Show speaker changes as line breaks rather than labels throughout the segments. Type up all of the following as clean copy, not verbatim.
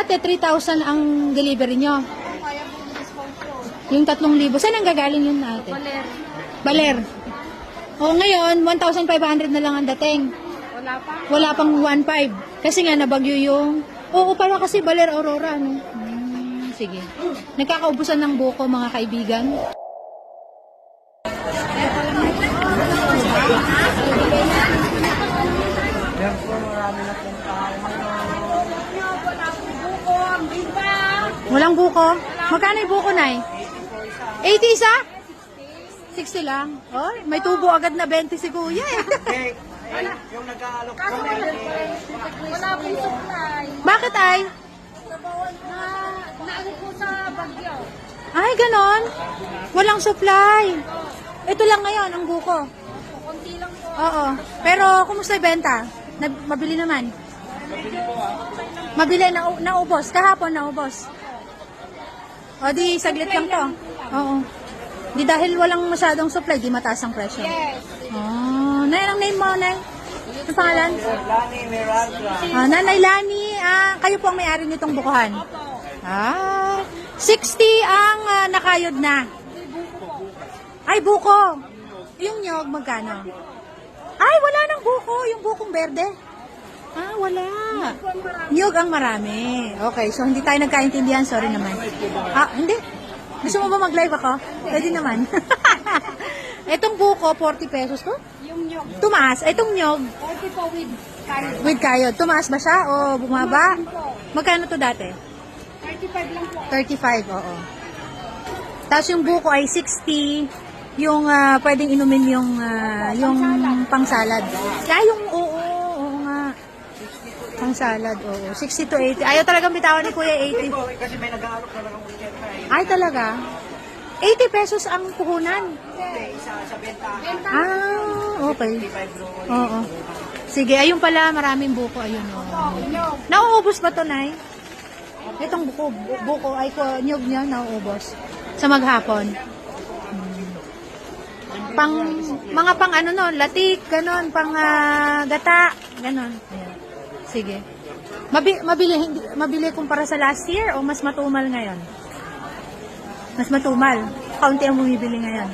Dati 3,000 ang delivery nyo. Yung 3,000. Saan ang gagaling yun natin?
Baler.
Baler. O ngayon, 1,500 na lang ang dating.
Wala pa.
Wala pang 1,500. Kasi nga nabagyo yung... Oo, para kasi Baler Aurora, no? Sige. Nagkakaubusan ng buko, mga kaibigan. Walang buko? Magkano yung buko, Nay? 80 isa? 60 lang. Oh, may tubo agad na 20 si Kuya eh.
Yung nag-aalok
Kaso wala pong supply.
Bakit ay?
Naano po sa bagyo.
Ay, ganon. Walang supply. Ito lang ngayon, ang buko.
Konti lang po.
Oo. Pero, kumusta yung benta? Mabili naman. Mabili, naubos. Kahapon, naubos. O, di, saglit lang to. Oo. Di dahil walang masyadong supply, di mataas ang presyo.
Yes.
Oh, Nay, ang name mo, Nay? Ano pangalan?
Lani Miranda.
Nanay Lani, kayo po ang may-ari nitong bukuhan.
Opo.
60 ang nakayod na. Ay, buko. Yung nyog, magkano? Ay, wala nang buko. Yung bukong berde. Wala. Nyog ang marami. Okay, so hindi tayo nagkaintindihan. Sorry naman. Hindi. Gusto mo ba mag-live ako? Pwede naman. Itong buko, 40 pesos to?
Yung nyog.
Tumaas. Itong nyog,
40 po with carrot.
with kayod. Tumaas ba siya o bumaba? Magkano to dati?
35 lang po.
35, oo. Tapos yung buko ay 60. Yung pwedeng inumin yung pang-salad. Yung, oo nga. Pang-salad, oo. 60 to 80. Ayaw talagang bitawan ni Kuya 80.
Kasi may nag-aalok na lang ang weekend na eh.
Ay, talaga? 80 pesos ang puhunan.
Isa sa benta.
Okay. Oo. Sige, ayun pala, maraming buko. Ayun, nauubos ba to, Nay? Itong buko ay nyog niya, nauubos. Sa maghapon. Mga pang ano no, latik, ganon, pang gata, ganon. Ayan. Sige. Mabili kumpara sa last year o mas matumal ngayon? Mas matumal. Kaunti ang bumibili ngayon.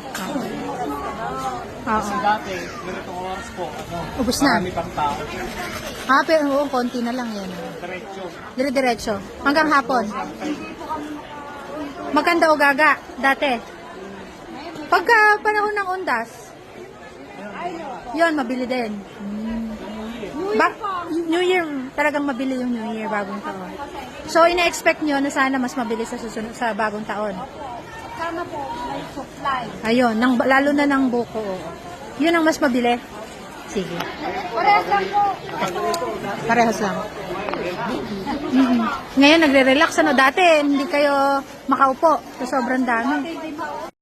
Oo.
Dati, ganitong oras po,
Ubus na.
marami pang tao.
Pero oo, konti na lang yan.
Diretso.
Dire-diretso. Hanggang hapon. Maganda o gaga, dati. Pagka panahon ng undas, yon mabili din. New Year, talagang mabili yung New Year, bagong taon. So, ina-expect nyo na sana mas mabili sa susunod sa bagong taon.
Sana po may supply.
Ayun, lalo na ng buko. Yun ang mas mabili. Sige.
Parehas lang po.
Parehas lang. Ngayon, nagre-relax. Dati, hindi kayo makaupo. So, sobrang dami.